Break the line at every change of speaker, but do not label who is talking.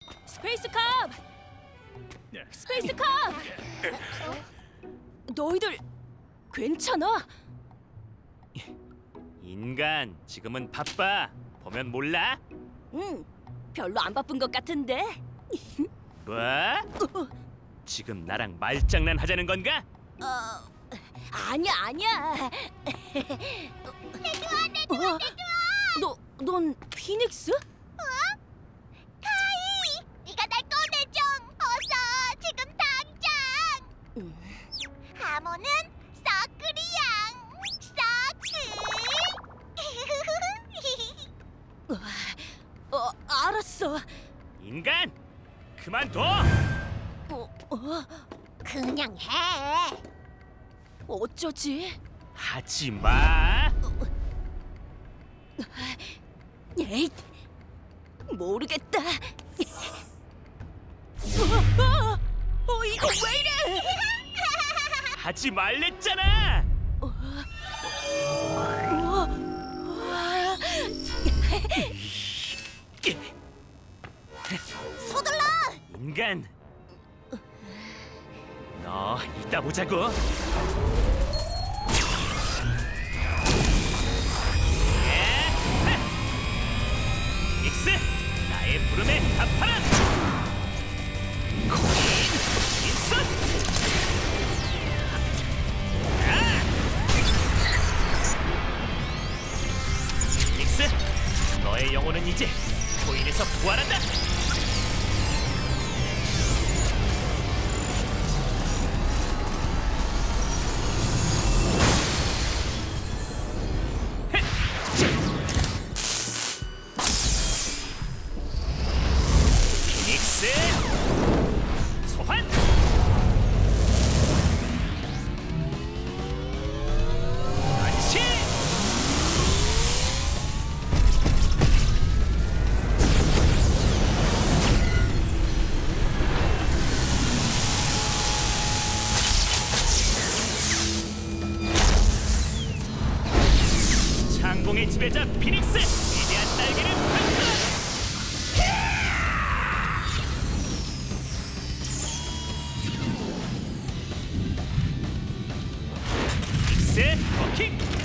스페이스 컵! 스페이스 컵! 너희들 괜찮아?
인간, 지금은 바빠. 보면 몰라?
응, 별로 안 바쁜 것 같은데.
뭐? 지금 나랑 말장난 하자는 건가?
아니야. 내주아. 넌 피닉스?
카이, 네가 날 꺼내줘. 어서, 지금 당장. 하모는 서클이양. 서클.
알았어.
인간,
그만둬!
그냥 해.
어쩌지?
하지 마!
에잇, 모르겠다. 이거 왜 이래?
하지 말랬잖아!
서둘러.
인간! 너 이따 보자고. 닉스, 나의 부름에 답하라! 코인 인선! 닉스, 너의 영혼은 이제 코인에서 부활한다! 피닉스 소환! 안치! 창공의 지배자 피닉스! 위대한 날개를 펼쳐라! 닉스 워킹!